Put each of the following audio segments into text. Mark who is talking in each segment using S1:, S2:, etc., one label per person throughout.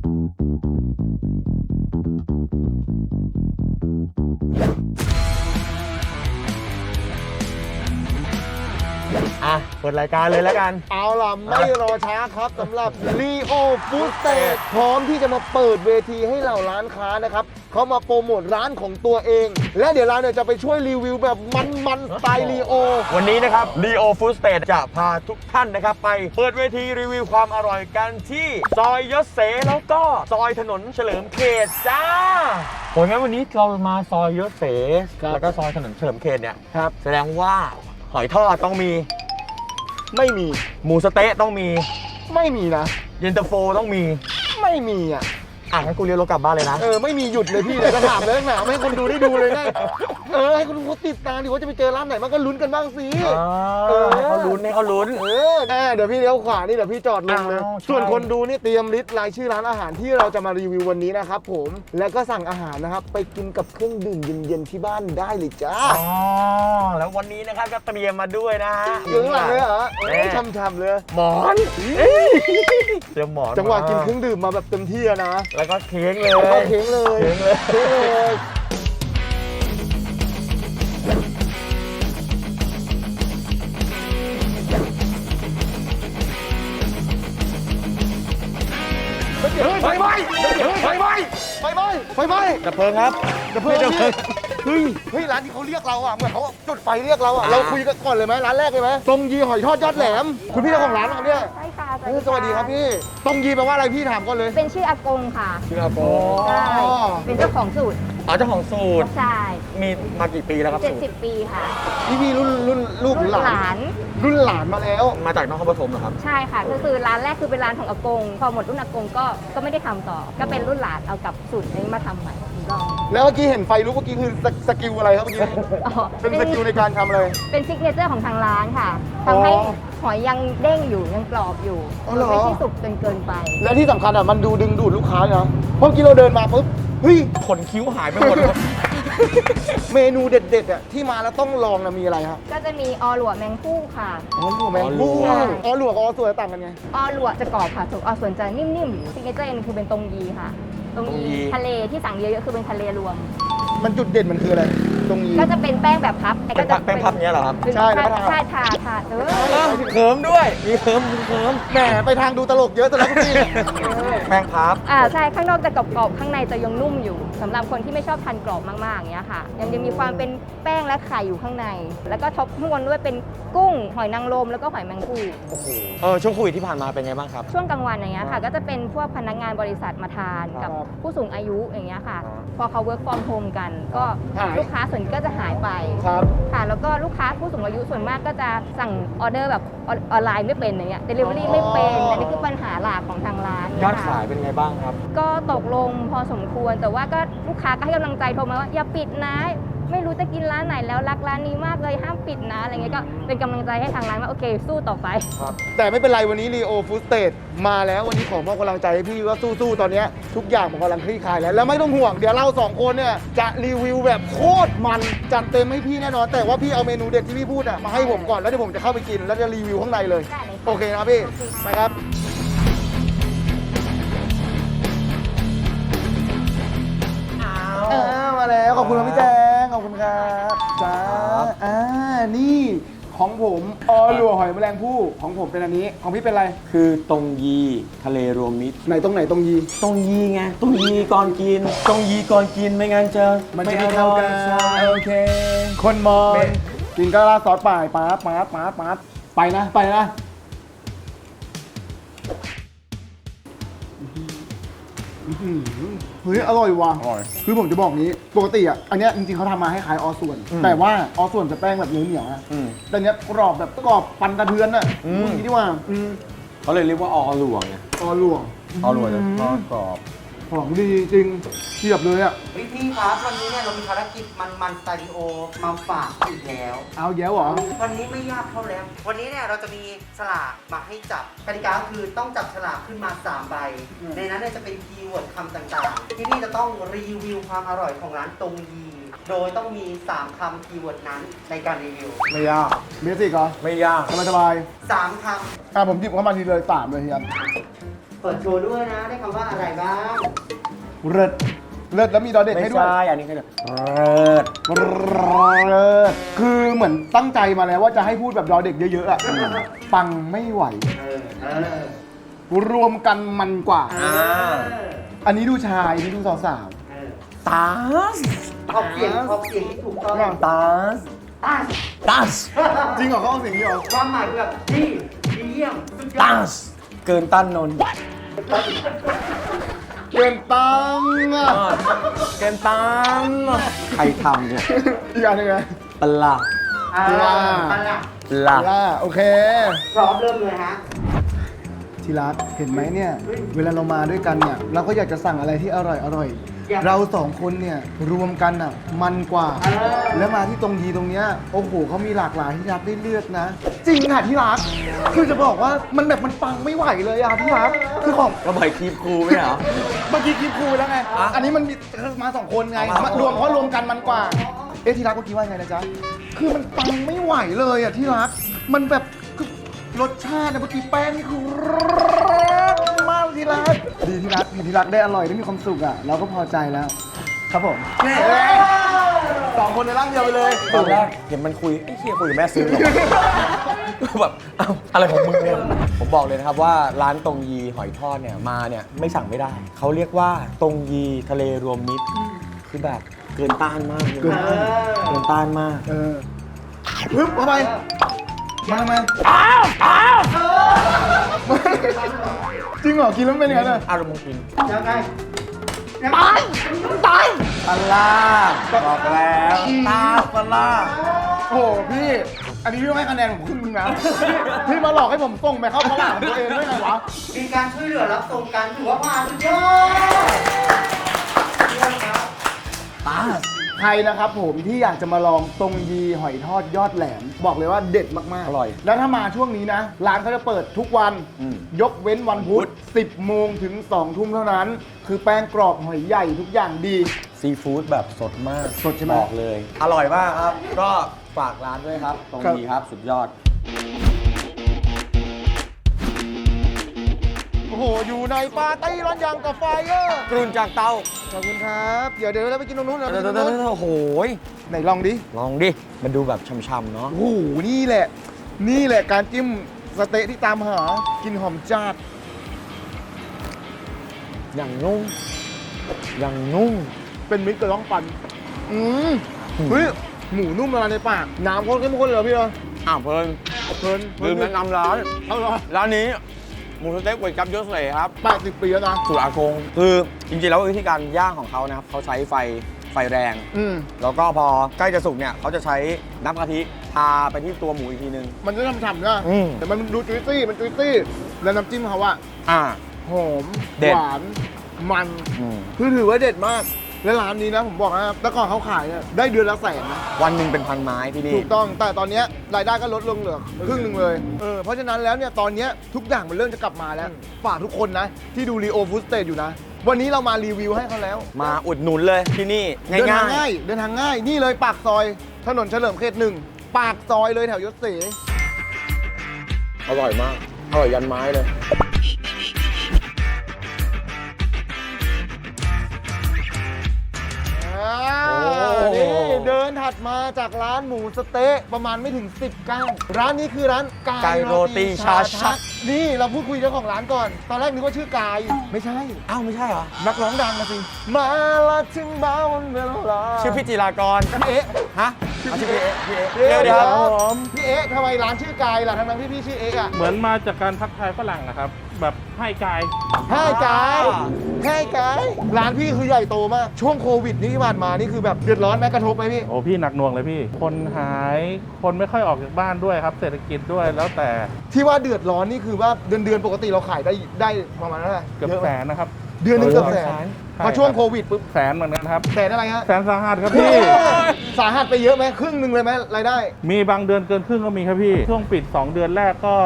S1: เปิดรายการเลยแล้วกัน
S2: เอาล่ะไม่รอช้าครับสำหรับ Leo Food Stage พร้อมที่จะมาเปิดเวทีให้เหล่าร้านค้านะครับเขามาโปรโมทร้านของตัวเองและเดี๋ยวเราเนี่ยจะไปช่วยรีวิวแบบมันสไตล์ Leo
S1: วันนี้นะครับ Leo Food Stage จะพาทุกท่านนะครับไปเปิดเวทีรีวิวความอร่อยกันที่ซอยยศเสแล้วก็ซอยถนนเฉลิมเขตจ้าโอ้ยงั้นวันนี้เรามาซอยยศเสแล้วก็ซอยถนนเฉลิมเขตเนี่ยครับแสดงว่าหอยทอดต้องมี
S2: ไม่มี
S1: หมูสะเต๊ะต้องมี
S2: ไม่มีนะ
S1: เย็นตาโฟต้องมี
S2: ไม่มี
S1: งั้นกูเรียกรถกลับบ้านเลยนะ
S2: ไม่มีหยุดเลยพี่เลยก็ถามเลยหนาให้คนดูได้ดูเลยไงให้คนดูเขาติดตามดิว่าจะไปเจอร้านไหนมันก็ลุ้นกันบ้างสิ
S1: ให้เขาลุ้น
S2: เดี๋ยวพี่เลี้ยวขวานี่เดี๋ยวพี่จอดลงเลยส่วนคนดูนี่เตรียมลิสต์รายชื่อร้านอาหารที่เราจะมารีวิววันนี้นะครับผมแล้วก็สั่งอาหารนะครับไปกินกับเครื่องดื่มเย็นๆที่บ้านได้เลยจ้า
S1: แล้ววันนี้นะครับก็เตรียมมาด้วยนะฮะ
S2: อยู่ข้างหลังเลยเหรอช่ำๆเลย
S1: หมอนเตรียมหมอน
S2: จังหวะกินเครื่องดื่มมาแบบเต็มที่นะ
S1: แล้วก็เค้กเลย
S2: เค้กเลย
S1: ไฟไหม้ดับเพลิงครับ
S2: ดับเพลิงเฮ้ยร้านที่เขาเรียกเราเหมือนเขาจุดไฟเรียกเราเราคุยกันก่อนเลยไหมร้านแรกเลยไหมตรงยีหอยทอดยอดแหลมคุณพี่เจ้าของร้านครับเนี่ย
S3: ใช่ค่ะ
S2: สวัสดีครับพี่ตรงยีแปลว่าอะไรพี่ถามก่อนเลย
S3: เป็นชื่ออากงค่ะ
S1: ชื่ออากง
S3: ใช่เป็นเจ้าของสูตร
S1: เจ้าของสูตร
S3: ใช่
S1: มีมากี่ปีแล้วครับ
S3: 70 ปีค่ะ
S2: พี่รุ่นลูกหลานรุ่นหลานมาแล้ว
S1: มาจากนครปฐมเหรอครับ
S3: ใช่ค่ะก็คือร้านแรกคือเป็นร้านของอากงพอหมดรุ่นอากงก็ไม่ได้ทำต่อก็เป็นรุ่นหลานเอากับสูตรนี้มาทำใหม่
S2: แล้วเมื่อกี้เห็นไฟลุกเมื่อกี้คือสกิลอะไรครับเมื่อกี้เป็นสกิลในการทำอะไร
S3: เป็นซิกเนเจอร์ของทางร้านค่ะทำให้หอยยังเด้งอยู่ยังกรอบอยู่ไม่ใช่สุกจนเกินไป
S2: และที่สำคัญมันดึงดูดลูกค้านะเพราะเมื่อกี้เราเดินมาปุ๊บเฮ้ย
S1: ขนคิ้วหายไปหมด
S2: เมนูเด็ดๆที่มาแล้วต้องลองมีอะไรครับ
S3: ก็จะมีอหลวแมงผู้ค่ะ
S2: อหลวแมงผู้อหลวกับอส่วนต่างกันไง
S3: อหลวจะกรอบค่ะส่วนอส่วนจะนิ่มๆซิกเนเจอร์คือเป็นตรงยีค่ะตรงยีทะเลที่สั่งเยอะๆคือเป็นทะเลรวม
S2: มันจุดเด่นมันคืออะไรตรงยี
S3: ก็จะเป็นแป้งแบบพับ
S1: แป้งพับเนี้ยเหรอครับ
S2: ใช่
S3: ทา
S1: เคิร์มด้วยมีเคิร์ม
S2: แหมไปทางดูตลกเยอะซะแล้วพี่
S1: แป้งพับ
S3: ใช่ข้างนอกจะกรอบๆข้างในจะยังนุ่มอยู่สำหรับคนที่ไม่ชอบทานกรอบมากๆอย่างเงี้ยค่ะยังมีความเป็นแป้งและไข่อยู่ข้างในแล้วก็ท็อปข้างบนด้วยเป็นกุ้งหอยนางรมแล้วก็หอยแมงภู่
S1: ช่วงโควิดที่ผ่านมาเป็นไงบ้างครับ
S3: ช่วงกลางวันอย่างเงี้ยค่ะก็จะเป็นพวกพนักงานบริษัทมาทานกับผู้สูงอายุอย่างเงี้ยค่ะพอเขา work from home กันก็ลูกค้าส่วนก็จะหายไปค่ะแล้วก็ลูกค้าผู้สูงอายุส่วนมากก็จะสั่งออเดอร์แบบออนไลน์ไม่เป็นอย่างเงี้ย delivery ไม่เป็นอันนี้คือปัญหาหลักของทางร้าน
S1: ยอดขายเป็นไงบ้างครับ
S3: ก็ตกลงพอสมควรแต่ว่าก็ลูกค้าก็ให้กำลังใจโทรมาว่าอย่าปิดนะไม่รู้จะกินร้านไหนแล้วรักร้านนี้มากเลยห้ามปิดนะอะไรเงี้ยก็เป็นกำลังใจให้ทางร้านว่าโอเคสู้ต่อไป
S2: แต่ไม่เป็นไรวันนี้ Leo Food Stage มาแล้ววันนี้ขอมอบกำลังใจให้พี่ว่าสู้ๆตอนนี้ทุกอย่างผมกำลังคลี่คลายแล้วไม่ต้องห่วงเดี๋ยวเรา2คนเนี่ยจะรีวิวแบบโคตรมันจัดเต็มให้พี่แน่นอนแต่ว่าพี่เอาเมนูเด็ดที่พี่พูดมาให้ผมก่อนแล้วเดี๋ยวผมจะเข้าไปกินแล้วจะรีวิวข้างในเลยโอเคนะพี่ไปครับมาแล้วขอบคุณครับพี่แจงขอบคุณครับจ้านี่ของผมหลวหอยแมลงภู่ของผมเป็นอันนี้ของพี่เป็นอะไร
S1: คือตรงยีทะเลรวมมิตร
S2: ไหนตรงยี
S1: ไงตรงยีก่อนกินตรงยีก่อนกินไม่งั้นจะ
S2: มันจะไม่เข้ากันโอเคคนมองกินก็ราดซอสป่ายป๊าดไปนะเฮ้ยอร่อยว่ะคือผมจะบอกนี้ปกติอันนี้จริงๆเขาทำมาให้ขายอส่วนแต่ว่าอส่วนจะแป้งแบบเหนียวนะแต่เนี้ยกรอบแบบกรอบฟันกระเทือนอ่ะนี่ดีว่า
S1: เขาเลยเรียกว่าอหลวงไง
S2: อหลวง
S1: จะทอดกรอบ
S2: ของดีจริงเทียบเลยอ่ะ
S4: พี่ครับวันนี้เนี่ยเรามีภารกิจมันสตูดิโอมาฝากอีกแล้ว
S2: เอาแย้วเหรอ
S4: วันนี้ไม่ยากเท่าแล้ววันนี้เนี่ยเราจะมีฉลากมาให้จับกติกาคือต้องจับฉลากขึ้นมา3 ใบในนั้นเนี่ยจะเป็นคีย์เวิร์ดคำต่างๆที่พี่จะต้องรีวิวความอร่อยของร้านตรงยีโดยต้องมี3 คำคีย์เวิร์ดนั้นในการรีวิว
S2: ไม่ยากเบสิกเหรอ
S1: ไม่ยาก
S2: สบาย
S4: 3 คำ
S2: ผมหยิบเข้ามาทีเลย3เลยเฮีย
S4: เปิดโชว์ด้วยนะได้คำว่าอะไรบ้าง
S2: เลิศเลิศแล้วมีดอเด็ก
S1: ไม่
S2: ให้ด้วย
S1: ใช่อันนี้คือเริด
S2: เลิศคือเหมือนตั้งใจมาแล้วว่าจะให้พูดแบบดอเด็กเยอะๆอะปังไม่ไหว รวมกันมันกว่า อันนี้ดูชายอันนี้ดูสาว
S1: ตาส
S4: ออกเสียงที่ถูกต้อง
S1: ตาสตาส
S2: ๆจริงเหรอเขาเอาเสียงนี้เหรอ
S4: ความหมายคือแบบดีเยี่ยมสุดยอ
S1: ตา
S4: ด
S1: สเกินต้านนนท์
S2: เกินตังค์อะ
S1: เกินต้านใครทำเนี่ย
S2: อีกอันหนึงไง
S1: ปลา
S4: อ่า
S1: ปลา
S2: ล่าโอเค
S4: พร้อมเริ่มเลยฮะ
S2: ทีรักเห็นไหมเนี่ย เวลาเรามาด้วยกันเนี่ย เราก็อยากจะสั่งอะไรที่อร่อย เราสองคนเนี่ยรวมกันอ่ะมันกว่า แล้วมาที่ตรงยีตรงเนี้ยโอ้โหเขามีหลากหลายที่รักได้เลือกนะ จริงค่ะที่รักคือจะบอกว่ามันแบบมันปังไม่ไหวเลยอ่ะที่รักคือของ
S1: ก็บ่อยคลิปครูไหมเหรอ
S2: เมื่อกี้คลิปครูไปแล้วไง
S1: อ่ะ
S2: อันนี้มันมีมาสองคนไง
S1: เอามาม
S2: ารวมเพราะรวมกันมันกว่า เอ๊ะที่รักเมื่อกี้ว่าไงนะจ๊ะ คือมันปังไม่ไหวเลยอ่ะที่รัก มันแบบคือรสชาติเนี่ยเมื่อกี้แป้งนี่คือมากที่รัก ดีที่รักเห็นที่รักได้อร่อยได้มีความสุขอ่ะ เราก็พอใจแล้ว ครับผมสองคนในร่างเดียวไปเลย
S1: ตอนแรกเห็นมันคุยไอ้เฮียคุยกับแม่ซื้อหรอแบบเอ้าอะไรของมึงเนี่ยผมบอกเลยนะครับว่าร้านตรงยีหอยทอดเนี่ยมาเนี่ยไม่สั่งไม่ได้ เขาเรียกว่าตรงยีทะเลรวมมิตรคือแบบเกินต้านมากเลย
S2: เกินต้าน
S1: เกินต้านมาก
S2: ปึ๊บเข้าไปมาทำไมจริงเหรอ กินแล้วเป็นยังไงเนี่ย
S1: อารมณ์กิน
S4: ยังไง
S2: ตาย
S1: ปลาร้าบอกแล้วตาปลาร้า
S2: โอ้โหพี่ อันนี้พี่ต้องให้คะแนนผมครึ่งนึงนะ พี่มาหลอกให้ผมส่งไปเข้าตลาดของตัวเองได้ไงวะ
S4: มีการช่วยเหลือรับส่งกันถือว่าผ่านสุดยอดเยี่ยมครับ
S1: ตา
S2: ใครนะครับผมที่อยากจะมาลองตรงยีหอยทอดยอดแหลม บอกเลยว่าเด็ดมากๆ
S1: อร่อย
S2: แล้วถ้ามาช่วงนี้นะ ร้านเขาจะเปิดทุกวัน ยกเว้นวันพุธ 10 โมงถึง 2 ทุ่มเท่านั้น คือแป้งกรอบหอยใหญ่ทุกอย่างดี
S1: ซีฟู้ดแบบสดมาก
S2: สดใช่ไหม
S1: บอกเลย อร่อยมากครับ ก็ฝากร้านด้วยครับ ตรงยีครับสุดยอด
S2: โอ้โห อยู่ในปาร์ตี้ร้อนยังกับไฟเออร์
S1: กรุ่นจากเตา
S2: ขอบคุณครับ เดี๋ยวเราไปกินตรงนู้น
S1: เดี๋ยวโอ้โห
S2: ไหนลองดิ
S1: ลองดิ มันดูแบบช่ำๆเนาะ
S2: โอ้โห นี่แหละการจิ้มสเต๊ะที่ตามหา กินหอมจัด
S1: อย่างนุ่ม อย่างนุ่ม
S2: เป็นมิตรกับร้องปันเฮ้ย หมูนุ่มละลายในปาก น้ำข้นเข้มข้นเลยเหรอพี่เนาะ
S1: อ้าวเพลิน
S2: เพลิน
S1: ลืมแนะนำร้าน
S2: เอาเหรอ
S1: ร้านนี้หมูสเต็กก๋วยจั๊บยศเสครับ
S2: 80 ปีแล้วนะ
S1: สูตรอากง คือจริงๆแล้ววิธีการย่างของเขานะครับเขาใช้ไฟแรง แล้วก็พอใกล้จะสุกเนี่ยเขาจะใช้น้ำกะทิทาไปที่ตัวหมูอีกทีนึง
S2: มันจะฉ่ำๆนะ
S1: อืม
S2: แต่มันดูจุยซี่ มันจุยซี่ แล้วน้ำจิ้มเขาอะ
S1: อ่า
S2: หอม
S1: เด็ด
S2: หวาน มัน คือถือว่าเด็ดมาก และร้านนี้นะผมบอกนะแต่ก่อนเขาขายเนี่ยได้เดือนละ100,000นะ
S1: วันหนึ่งเป็นพันไม้ที่นี่
S2: ถูกต้อง แต่ตอนเนี้ยรายได้ก็ลดลงเหลือครึ่งหนึ่งเลย เพราะฉะนั้นแล้วเนี่ยตอนเนี้ยทุกอย่างมันเริ่มจะกลับมาแล้ว ฝากทุกคนนะ ที่ดูรีโอฟู้ดสเตทอยู่นะ วันนี้เรามารีวิวให้เขาแล้ว
S1: มาอุดหนุนเลยที่นี่
S2: เดินทาง
S1: ง่า
S2: ง่าย ย เดินทางง่าย นี่เลยปากซอย ถนนเฉลิมเขต1 ปากซอยเลยแถวยศเส
S1: อร่อยมาก อร่อยยันไม้เลย
S2: นี่เดินถัดมาจากร้านหมูสะเต๊ะประมาณไม่ถึง10 ก้าวร้านนี้คือร้าน
S1: ไก่โรตีชาชัก
S2: นี่เราพูดคุยเจ้าของร้านก่อน ตอนแรกนึกว่าชื่อกาย ไม่ใช่
S1: อ้าวไม่ใช่เหรอ
S2: นักร้องดังนะสิ มาละถึงบ้าวันเวลา
S1: ชื่อพี่จิรากร
S2: พี่เอ๊ะ
S1: ฮะเอาชื่อพี่เอ๊ะพี่เอ๊ะ
S2: เดี๋ยว
S1: เดี๋ยว
S2: พี่เอ๊ะทำไมร้านชื่อกายล่ะทั้งๆที่พี่ชื่อเอ๊ะอะ
S5: เหมือนมาจากการทักทายฝรั่งนะครับ แบบให้กาย
S2: ให้กายให้กายร้านพี่คือใหญ่โตมาก ช่วงโควิดนี่ที่ผ่านมานี่คือแบบเดือดร้อนไหมกระทบไหมพี่
S5: โอ้พี่หนักหน่วงเลยพี่ คนหาย คนไม่ค่อยออกจากบ้านด้วยครับ เศรษฐกิจด้วยแล้วแต่
S2: ที่ว่าเดือดร้อนนี่คือว่าเดือนปกติเราขายได้ประมาณเท่าไหร่
S5: เกือบ
S2: ยะไห
S5: แส
S2: ม
S5: นนะครับ
S2: เดือนหนึงเกือบแสน
S5: ใช่
S2: พอช่วง
S5: ครับ
S2: โควิดปุ๊บ
S5: แสนเหมือนกันครับ
S2: แสนอะไรฮะ
S5: แสนสาหัสครับพี่
S2: สาหัสไปเยอะไหมครึ่งหนึ่งเลยไหมรายได้
S5: มีบางเดือนเกินครึ่งก็มีครับพี่ ช่วงปิด 2 เดือนแรกก็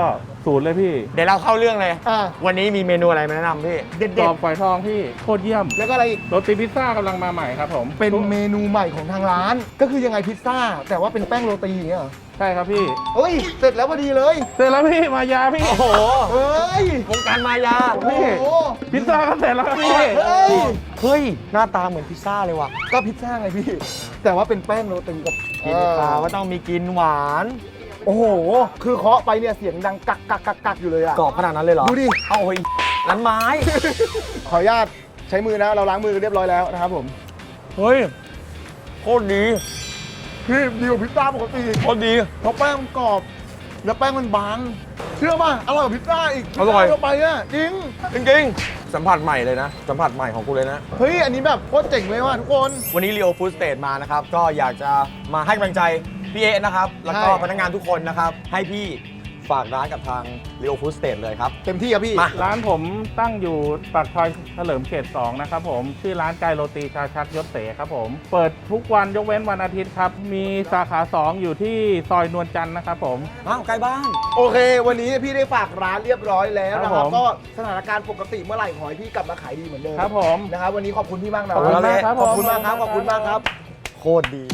S5: สูตรเลยพี่
S1: เดี๋ยวเราเข้าเรื่องเลย
S2: อ่า
S1: วันนี้มีเมนูอะไรมาแนะนำพี่
S2: เด็ด
S5: กรอบฝอยทองพี่โคตรเยี่ยม
S2: ๆแล้วก็อะไรอีก
S5: โรตีพิซซ่ากำลังมาใหม่ครับผม
S2: เป็นเมนูใหม่ของทางร้าน ก็คือยังไงพิซซ่า แต่ว่าเป็นแป้งโรตีอย่างเงี้ยเหรอ
S5: ใช่ครับพี่
S2: เฮ้ย เสร็จแล้วพอดีเลย
S5: เสร็จแล้วพี่มายาพี่
S1: โอ้โห
S2: เฮ้ยว
S1: งการมายา
S2: โอ้โห
S5: พิซซ่าก็เสร็จแล้วครับพี่
S2: เฮ้ย
S1: เฮ้ย หน้าตาเหมือนพิซซ่าเลยว่ะ
S2: ก็พิซซ่าไงพี่ แต่ว่าเป็นแป้งโรตีกับ
S1: กินปลาว่าต้องมีกินหวาน
S2: โอ้โห คือเคาะไปเนี่ยเสียงดังกักกักกักกักอยู่เลยอะ
S1: กรอบขนาดนั้นเลยเหรอ
S2: ดูดิ
S1: เอาเฮ้ยนั้นไม้
S2: ขออนุญาตใช้มือนะ เราล้างมือเรียบร้อยแล้วนะครับผม
S1: เฮ้ย โคตรดี
S2: พี่ดีกว่าพิซซ่าปกติ
S1: โคตรดี
S2: เพราะแป้งมันกรอบ แล้วแป้งมันบาง เชื่อป่ะอร่อยกว่าพิซซ่าอีก
S1: อร่อย
S2: พิซซ่าไปอะจริง
S1: จริงๆ สัมผัสใหม่เลยนะ สัมผัสใหม่ของกูเลยนะ
S2: เฮ้ย อันนี้แบบโคตรเจ๋งเลยว่ะทุกคน
S1: วันนี้ Leo Food State มานะครับ ก็อยากจะมาให้กำลังใจพี่เอะนะครับ แล้วก็
S2: ใช่
S1: พนักงานทุกคนนะครับ ให้พี่ฝากร้านกับทาง Leo Food State เลยครับ
S2: เต็มที่ครับพี่
S1: มา
S5: ร้านผมตั้งอยู่ปากซอยเฉลิมเขต 2 นะครับผม ชื่อร้านไก่โรตีชาชักยศเสครับผม เปิดทุกวันยกเว้นวันอาทิตย์ครับ มีสาขา 2 อยู่ที่ซอยนวลจันทร์นะครับผม
S1: อ้าวใกล้บ้าน
S2: โอเค วันนี้พี่ได้ฝากร้านเรียบร้อยแล้วนะค
S5: ครั
S2: รับบ
S5: ผม
S2: ก็สถานการณ์ปกติเมื่อไหร่ขอให้พี่กลับมาขายดีเหมือนเดิม
S5: ครับผม
S2: นะครับวันนี้ขอบคุณพี่มากนะ
S5: ขอบคุณมากครับ
S2: ขอบคุณมากครับ ขอบคุณมากครับ
S1: โคตรดี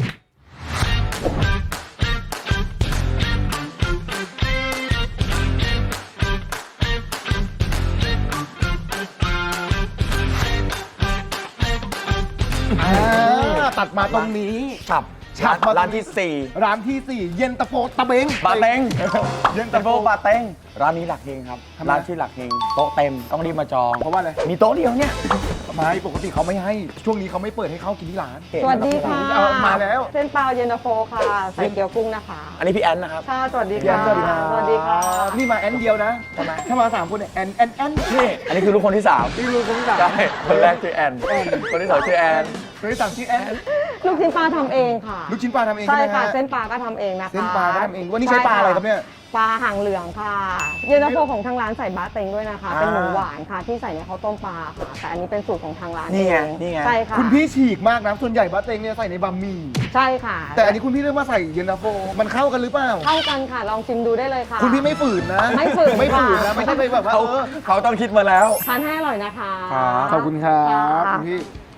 S2: ตัดมาตรงนี้
S1: ฉับ
S2: ฉับมา
S1: ร้านที่
S2: ร้านที่ 4 เย็นตาโฟตะเบง
S1: 4 บาเต็ง
S2: เย็น
S1: ตะ
S2: ตา
S1: โฟ
S2: โฟ
S1: บาเต็ง ร้านนี้หลักเฮงครับ
S2: ทำไม
S1: ร้านชื่อหลักเฮง โต๊ะเต็ม ต้องรีบมาจอง
S2: เพราะว่าอะไร
S1: มีโต๊ะเดียวเนี่ย
S2: ไม่ปกติเขาไม่ให้ ช่วงนี้เขาไม่เปิดให้เข้ากินที่ร้าน
S6: สวัสดีค่ะ
S2: เอามาแล้ว
S6: เส้นเปล่าเย็นตาโฟค่ะ ใส่เกี๊ยวกุ้งนะคะ
S1: อันนี้พี่แอนนะครับ
S6: ค่ะ สวัสดี
S2: พี่แอ
S6: ค่ะ
S2: นสวัสดีครับ
S6: สวัสดีค่ะ
S2: นี่มาแอนเดียวนะทำไมถ้ามา3คนเนี่ยแอน
S1: นี่ อันนี้คือลูกคนที่ 3
S2: นี่รู้คนที่สาม
S1: ใช่ คนแรกชื่อแอน คนที่สองชื่อแอน
S2: คนที่สามชื่อแอน
S6: ลูกชิ้นปลาทำเองค่ะ
S2: ลูกชิ้นปลาทำเอง
S6: ใช่
S2: ใช่ไหม
S6: ค่ะ
S2: ฮะ
S6: เส้นปลาก็ทำเองนะคะ
S2: เส้นปลาก็ทำเองวันนี้ใช้ปลาอะไรครับเนี่ย
S6: ปลาหางเหลืองค่ะ เย็นตาโฟของทางร้านใส่บะเต็งด้วยนะคะ
S1: อ่า
S6: เป็นหมูหวานค่ะ ที่ใส่ในข้าวต้มปลาค่ะ แต่อันนี้เป็นสูตรของทางร้าน
S1: นี่ไง
S6: เอง
S1: นี่ไง
S6: ใช่ค่ะ
S2: คุณพี่ฉีกมากนะส่วนใหญ่บะเต็งเนี่ยใส่ในบะหมี่
S6: ใช่ค่ะ
S2: แต่อันนี้คุณพี่เลือกมาใส่เย็นตาโฟมันเข้ากันหรือเปล่า
S6: เข้ากันค่ะ ลองชิมดูได้เลยค่ะ
S2: คุณพี่ไม่ฝืนนะ
S6: ไม่ฝืน
S2: ไม่ฝืนนะ
S6: ค่ะ
S2: ไม่ใช่ไปแบบว่า
S1: เขาต้องคิดมาแล้ว
S6: ทานให้อร่อยนะคะ
S2: ขอบคุณครับ
S6: ค่ะ
S2: คุณพี่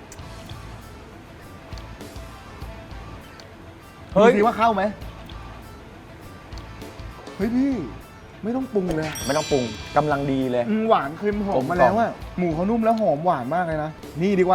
S1: เฮ้ย
S2: ดูสิว่าเข้าไหมเฮ้ยพี่ ไม่ต้องปรุงเลย
S1: ไม่ต้องปรุงกำลังดีเลย
S2: หวานเค็มหอมมา
S1: กลมกล่
S2: แล้
S1: อม
S2: วอะหมูเขานุ่มแล้วหอมหวานมากเลยนะ นี่ดีกว่า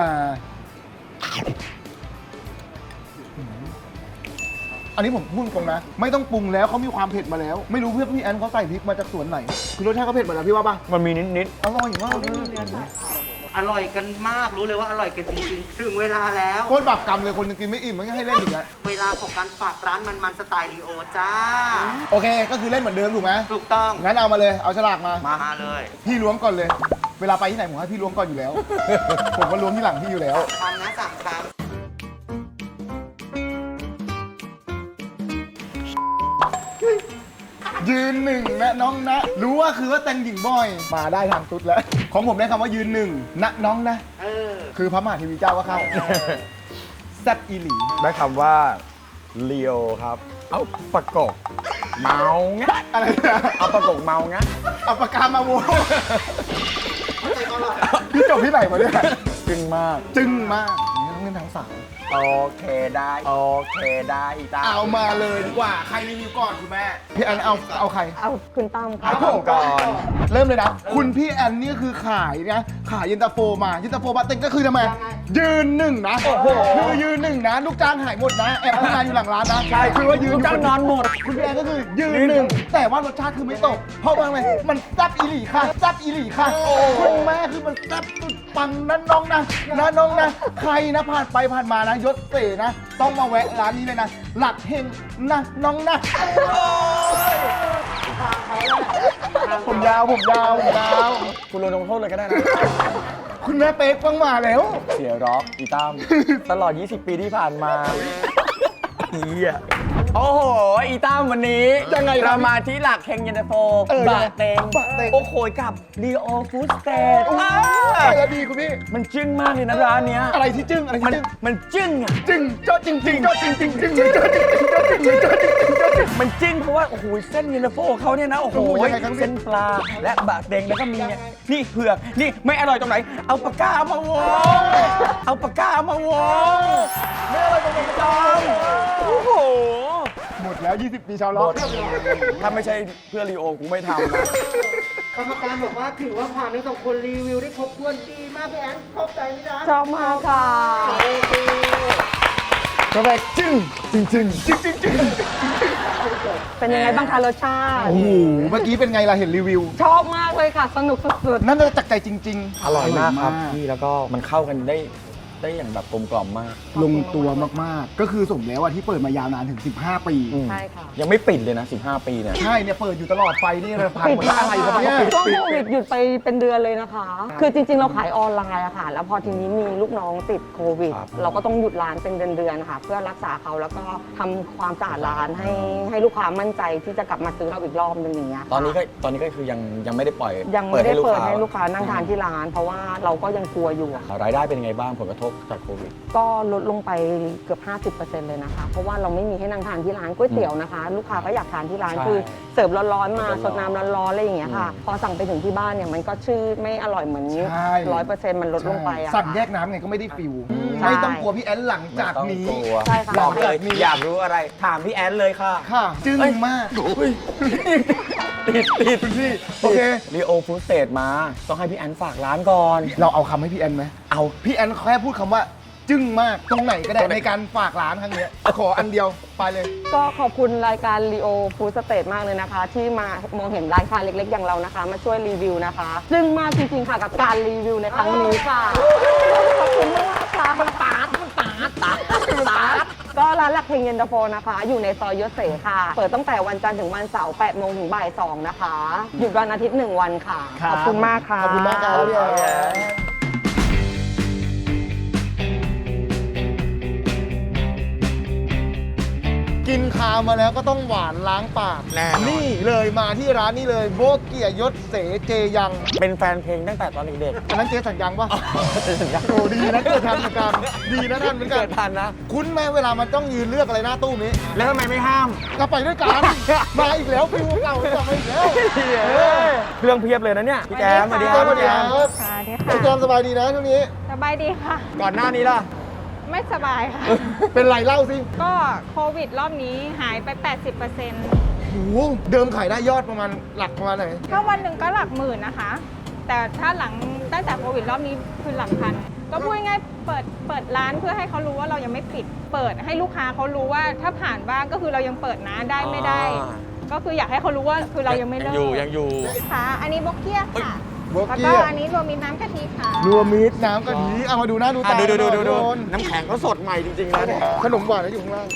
S2: อันนี้ผมพูดตรงนะ ไม่ต้องปรุงแล้วเขามีความเผ็ดมาแล้ว ไม่รู้เพื่อนพี่แอนเขาใส่พริกมาจากสวนไหน คือรสชาติเขาเผ็ดหมดแล้วพี่ว่าป่ะ
S1: มันมีนิด
S2: อร่อยมากเลย
S4: อร่อยกันมากรู้เลยว่าอร่อยกันจริงๆ ถึงเวลาแล้ว
S2: โคตรบาปกรรมเลยคนยังกินไม่อิ่มมันก็ให้เล่นอีกแล้ว
S4: เวลาของการฝากร้านมันๆสไตล์ลีโอจ้า
S2: โอเค ก็คือเล่นเหมือนเดิมถูกไหม
S4: ถูกต้อง
S2: งั้นเอามาเลย เอาฉลากมา
S4: มาเลย
S2: พี่ล้วงก่อนเลย เวลาไปที่ไหนผมให้พี่ล้วงก่อนอยู่แล้ว ผมก็ล้วงที่หลังพี่อยู่แล้ว
S4: คำนะสามคำ
S2: ยืนหนึ่งนะน้องนะ รู้ว่าคือว่าแต่งหญิงบ่อย มาได้ทางตุ๊ดแล้ว ของผมได้คำว่ายืนหนึ่งนะน้องนะ
S4: เออ
S2: คือพระมหาเทีวีเจ้าก็เข้าแซ่บอีหลี
S1: ได้คำว่าเลียวครับ เอาประกบเมาไง
S2: อะไรนะ
S1: เอาประกบเมาไง
S2: เอาปากกามาโว้พี่จบที่ไหนมาเนี่ย
S1: จึงมาก
S2: จึ้งมากนี่ต้องเล่นทางสาว
S1: โอเคได้ โอเคได้จ้า
S2: เอามาเลยดีกว่า ใครรีวิวก่อนคุณแม่ พี่แอนเอาใคร
S6: เอาคุณตั้มค่ะ
S1: เอาผมก่อน
S2: เริ่มเลยนะ คุณพี่แอนนี่คือขายนะขายเย็นตาโฟมาเย็นตาโฟบาเต็งก็คือทำไมยืนหนึ่งนะคือยืนหนึ่งนะลูกจ้างหายหมดนะแอบทำงานอยู่หลังร้านนะใช่คือว่ายืน
S1: ลูกจ้างนอนหมด
S2: คุณพี่แอนก็คือยืนหนึ่งแต่ว่ารสชาติคือไม่ตก เพราะว่าอะไรมันแซ่บอีหลีค่ะแซ่บอีหลีค่ะคุณแม่คือมันแซ่บสุดปังนะน้องนะน้องนะใครนะผ่านไปผ่านมานะยศเสนะต้องมาแวะร้านนี้เลยนะหลักเฮงนะน้องนะผมยาว
S1: คุณลงโทษเลยก็ได้นะ
S2: คุณแม่เป๊กฟังมาแล้ว
S1: เสียร็อกอีตั้มตลอด 20 ปีที่ผ่านมาเฮียโอ้โห อีตั้มวันนี้
S2: ยังไงครับ
S1: เรามาที่หลักเฮงเย็นตาโฟ
S2: ยังไง
S1: บะเต็ง
S2: บะเต็ง
S1: โอ้โหกับลีโอฟูสเตท
S2: อะไรดีคุณพี่
S1: มันจึ้งมากเลยนะร้านเนี้ย
S2: อะไรที่จึ้งอะไรที่จึ้ง
S1: มันจึ้งอ่ะ
S2: จึ้งเจ้าจริงจริงเจ้าจริงจริงจริงเจ้าจริงจริงเจ้าจริงจริงเจ้าจริงจริงเจ้าจริง
S1: มันจึ้งเพราะว่าโอ้โหเส้นเย็นตาโฟเขาเนี่ยนะโอ้โห
S2: โอ้โหยังไงครับพี่
S1: เส้นปลาและบะเต็งแล้วก็มีเนี่ยนี่เผือกนี่ไม่อร่อยตรงไหน เอาปากกามาวงเอาปากกามาวงไม่อร่อยตรงไหนจอมโอ้โห
S2: หมดแล้ว 20 ปีชาวล็อก
S1: ถ้าไม่ใช่เพื่อลีโอกูไม่ทำนะ
S4: กรรมการบอกว่าถือว่าผ่านทั้งสองคนรีวิวได้ครบถ้วนดีมากพี่แอนเข้าใจไหมจ๊ะ
S6: ชอบมากค่ะ
S2: กาแฟจึ้งจริงจริงจริงจริงจริง
S6: เป็นยังไงบ้างคะรสชาติ
S2: โอ้โหเมื่อกี้เป็นไงล่ะเห็นรีวิว
S6: ชอบมากเลยค่ะ สนุกสุด
S2: นั่นน่าจะจากใจจริงๆ
S1: อร่อยมากครับพี่แล้วก็มันเข้ากันได้อย่างแบบกลมกล่อมมาก
S2: ลงตัวมากๆ ก็คือสมแล้วที่เปิดมายาวนานถึง 15 ปี
S6: ๆ ใช่ค่ะ
S1: ยังไม่ปิดเลยนะ 15 ปีเนี่ย
S2: ใช่เนี่ยเปิดอยู่ตลอดไฟนี่เราพัง
S6: ปิด
S2: หมด
S6: มา
S2: อะไรครับเนี่ย
S6: ช่วงโควิดหยุดไปเป็นเดือนเลยนะคะ คือจริงๆ เราขายออนไลน์อะค่ะ แล้วพอทีนี้มีลูกน้องติดโควิด
S1: ครับ
S6: เราก็ต้องหยุดร้านเป็นเดือนๆ ค่ะ เพื่อรักษาเขาแล้วก็ทำความสะอาดร้านให้ลูกค้ามั่นใจที่จะกลับมาซื้อเราอีกรอบนึงอย่างเงี้ยค่ะ
S1: ตอนนี้ก็คือยังไม่ได้ปล่อย
S6: ยังไม่ได้เปิดให้
S1: ให้
S6: ลูกค้านั่งทานที่ร้าน เพราะว่าเราก็ยังกลัวอยู่อะค่ะ
S1: รายได้เป็นยังไงบ้างผลกระทบจากโควิด
S6: ก็ลดลงไปเกือบ 50% เลยนะคะ เพราะว่าเราไม่มีให้นั่งทานที่ร้านก๋วยเตี๋ยวนะคะ ลูกค้าก็อยากทานที่ร้าน
S1: ใช่
S6: คือเสิร์ฟร้อนๆมา
S1: เสิร์ฟร้อนๆ
S6: สดน้ำร้อนๆอะไรอย่างเงี้ยค่ะ พอสั่งไปถึงที่บ้านเนี่ยมันก็ชื่อไม่อร่อยเหมือน
S2: ใช่
S6: 100%มันลดลงไปอะ
S2: สั่ง
S6: ค่ะ
S2: แยกน้ำไงก็ไม่ได้ฟิล
S6: ใช่
S2: ไม่ต้องกลัวพี่แอนหลังจากนี้
S1: ไม่ต้องกลัว
S6: ใช่ค่ะ
S1: บอกเลยอยากรู้อะไรถามพี่แอนเลยค่ะ
S2: ค่ะ จึ้งมาก
S1: ติด
S2: คุณพี่ โอเค
S1: ลีโอฟู้ดสเตทมาต้องให้พี่แอนฝากร้านก่อน
S2: เราเอาคำให้พี่แอนไหม
S1: เอา
S2: พี่แอนแค่พูดคำว่า จึ้งมากตรงไหนก็ได้ในการฝากร้านครั้งเนี้ยขออันเดียวไปเลย
S6: ก็ขอบคุณรายการ Leo Food State มากเลยนะคะ ที่มามองเห็นร้านค้าเล็กๆ อย่างเรานะคะ มาช่วยรีวิวนะคะซึ่งมากจริงๆค่ะกับการรีวิวในครั้งนี้ค่ะ ขอบคุณมากค่ะมันตาดก็ร้านหลักเฮงเย็นตาโฟนะคะ อยู่ในซอยยศเสค่ะ เปิดตั้งแต่วันจันทร์ถึงวันเสาร์ 8 โมงถึงบ่าย 2 นะคะ หยุดวันอาทิตย์ 1 วันค่ะ ขอบคุณมากค่ะ
S2: ขอบคุณมากครับพี่แอนกินคาวมาแล้วก็ต้องหวานล้างปาก
S1: แน่นอน
S2: นี่เลยมาที่ร้านนี้เลยโบเกียยศเสเจยัง
S1: เป็นแฟนเพลงตั้งแต่ตอนเด็ก
S2: อันนั้นเจสัญญังปะ
S1: ๆสัญญา
S2: โอ้ดีนะเกิดทันเหมือนกันดีนะทันเหมือนกั
S1: เกิ
S2: น
S1: ดทันนะ
S2: คุ้นไหมเวลามันต้องยืนเลือกอะไรหน้าตู้นี้
S1: แล้วทำไมไม่ห้าม
S2: ก็ไปด้วยกัน มาอีกแล้วฟิวเก่ากลับมาอีกแล้ว
S1: เครื่องเพียบเลยนะเนี่ยพี่แจมสวัสดีค
S2: ส
S1: รับ
S2: วัสดีครับ
S3: ค่ะดี
S2: พี่แจ
S3: ค่ะ
S2: มสบายดีนะช่วงนี้
S3: สบายดีค่ะ
S1: ก่อนหน้านี้ล่ะ
S3: ไม่สบายค่ะ
S2: เป็นไรเล่าสิ
S3: ก็โควิดรอบนี้หายไป 80%
S2: โอ้โหเดิมขายได้ยอดประมาณหลักประมาณไหน
S3: ก็วันหนึ่งก็หลักหมื่นนะคะ แต่ถ้าหลังตั้งแต่โควิดรอบนี้คือหลักพัน ก็พูดง่ายๆเปิดร้านเพื่อให้เขารู้ว่าเรายังไม่ปิด เปิดให้ลูกค้าเขารู้ว่าถ้าผ่านบ้างก็คือเรายังเปิดนะได้ไม่ได้ ก็คืออยากให้เขารู้ว่าคือเรายังไม่เลิก
S1: ยังอยู่
S3: ค่ะ อันนี้บกเกี้ยค่ะ
S2: โบ
S3: แล้ว
S2: เกี
S3: ก็
S2: ย
S3: อันนี้รวมมีน้ำกะทิค่ะ
S2: รวมมิตรน้ำกะทิเอามาดูหน้าดูตา
S1: ดู
S2: หน่อยทุกคน
S1: น้ำแข็งเขาสดใหม่จริงๆนะเนี่ย
S2: ขนมหวานนะอยู่ข้างล่าง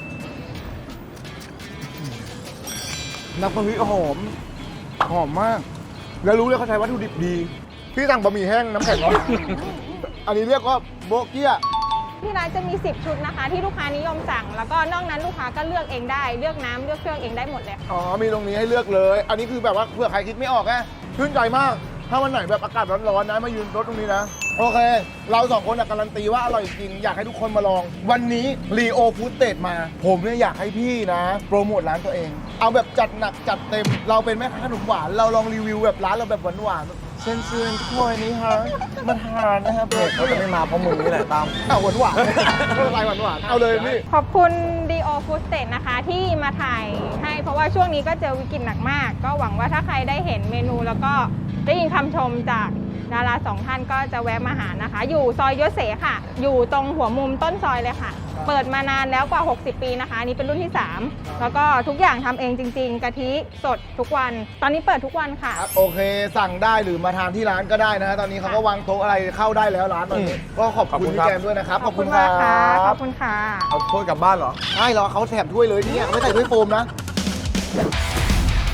S2: น้ำกะทิหอมหอมมาก แล้วรู้เลยเขาใช้วัตถุดิบดีพี่สั่งบะหมี่แห้งน้ำแข็งร้อนอันนี้เรียกว่าโบเกีย
S3: ที่ร้านจะมี 10 ชุดนะคะ ที่ลูกค้านิยมสั่ง แล้วก็นอกนั้นลูกค้าก็เลือกเองได้ เลือกน้ำเลือกเครื่องเองได้หมดเลย
S2: อ๋อมีตรงนี้ให้เลือกเลย อันนี้คือแบบว่าเผื่อใครคิดไม่ออกนะชื่นใจมาก ถ้าวันไหนแบบอากาศร้อนๆนะมายืนรถตรงนี้นะ โอเค เราสองคนการันตีว่าอร่อยจริง อยากให้ทุกคนมาลอง วันนี้รีโอฟู้ดเตทมา ผมเนี่ยอยากให้พี่นะ โปรโมทร้านตัวเอง เอาแบบจัดหนักจัดเต็ม เราเป็นแม่ค้าขนมหวาน เราลองรีวิวแบบร้านเราแบบหวานๆเชิญๆทุกคนนี้ฮะมาทานนะครับ
S1: เขาจะไม่มาเพราะมึงนี่แหละตาม
S2: เอาหวานๆไม่เป็นไรหวานๆเอาเลยพี่
S3: ขอบคุณ Dio Food State นะคะ ที่มาถ่ายให้เพราะว่าช่วงนี้ก็เจอวิกฤตหนักมาก ก็หวังว่าถ้าใครได้เห็นเมนูแล้วก็ได้ยินคำชมจากดาราสองท่านก็จะแวะมาหานะคะ อยู่ซอยยศเสค่ะ อยู่ตรงหัวมุมต้นซอยเลยค่ะ เปิดมานานแล้วกว่า 60 ปีนะคะอันนี้เป็นรุ่นที่ 3 แล้วก็ทุกอย่างทำเองจริง ๆกะทิสดทุกวัน ตอนนี้เปิดทุกวันค่ะ
S2: โอเค สั่งได้หรือมาทานที่ร้านก็ได้นะฮะตอนนี้เขาก็วางโต๊ะอะไรเข้าได้แล้วร้านตอนนี้ก็ขอบคุณพี่แกมด้วยนะครับ
S3: ขอบคุณมากค่ะ ขอบคุณค่ะ
S1: เอาถ้วยกลับบ้านเหรอ
S2: ใช่เหรอเขาแถมถ้วยเลยเนี่ยไม่ใส่ถ้วยโฟมนะ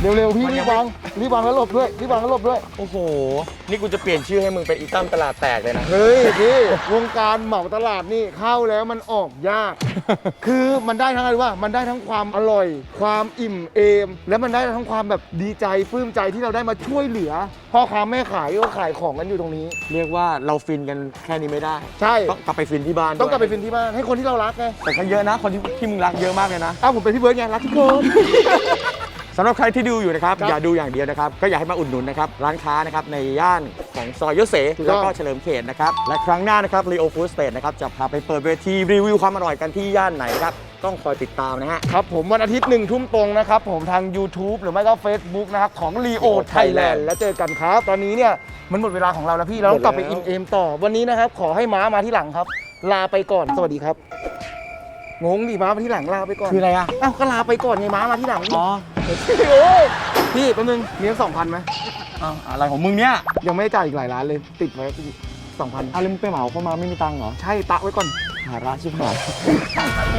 S2: เร็วๆพี่
S1: มัน
S2: รี
S1: ยัง
S2: บ
S1: ไม่
S2: วางรีบวางแล้วหลบด้วยรีบวางแล้วหลบด้วย
S1: โอ้โห นี่กูจะเปลี่ยนชื่อให้มึงเป็นอีตั้มตลาดแตกเลยนะ
S2: เฮ้ยพี่วงการเหมาตลาดนี่เข้าแล้วมันออกยาก คือมันได้ทั้งอะไรว่ามันได้ทั้งความอร่อย ความอิ่มเอม และมันได้ทั้งความแบบดีใจปลื้มใจที่เราได้มาช่วยเหลือพ่อค้าแม่ขายก็ขายของกันอยู่ตรงนี้
S1: เรียกว่าเราฟินกันแค่นี้ไม่ได้
S2: ใช่
S1: ต้องกลับไปฟินที่บ้าน
S2: ต้องกลับไป
S1: ด้วย
S2: ฟินที่บ้านให้คนที่เรารักไง
S1: แต่ก็เยอะนะ คนที่มึงรักเยอะมากเลยนะ
S2: อ้าวผมเป็นพี่เบิร์ดไงรักทุกคน
S1: สำหรับใครที่ดูอยู่นะครับ
S2: ครับ
S1: อย่าดูอย่างเดียวนะครับ ก็อยากให้มาอุดหนุนนะครับ ร้านค้านะครับในย่านของซอยยศเส
S2: ถูกต้อง
S1: แล้วก็เฉลิมเขตนะครับ และครั้งหน้านะครับ Leo Food State นะครับ จะพาไปเปิดเวทีรีวิวความอร่อยกันที่ย่านไหนครับ ต้องคอยติดตามนะฮะ
S2: ครับผมวันอาทิตย์1 ทุ่มตรงนะครับผมทาง YouTube หรือไม่ก็ Facebook นะครับของ Leo Thailand แล้วเจอกันครับ ตอนนี้เนี่ยมันหมดเวลาของเราแล้วพี่เราต้องกลับไป
S1: หมดแล้ว
S2: อิ่มเอมต่อวันนี้นะครับขอให้ม้ามาที่หลังครับ ลาไปก่อนสวัสดีครับงงดิม้ามาที่หลังลาไปก่อน
S1: คืออะไรอ่ะ
S2: อ้าวก็ลาไปก่อนไงม้ามาที่หลัง
S1: อ๋อ
S2: โอ้ยพี่แป๊บนึงมีสัก2,000ไหม
S1: อ้าวอะไรของมึงเนี่ย
S2: ยังไม่ได้จ่ายอีกหลายร้านเลยติดไว้2,000
S1: อะไรมึงไปเหมาเข้ามาไม่มีตังค์เหรอ
S2: ใช่ตะไว้ก่อน
S1: หาร้านชิบหาย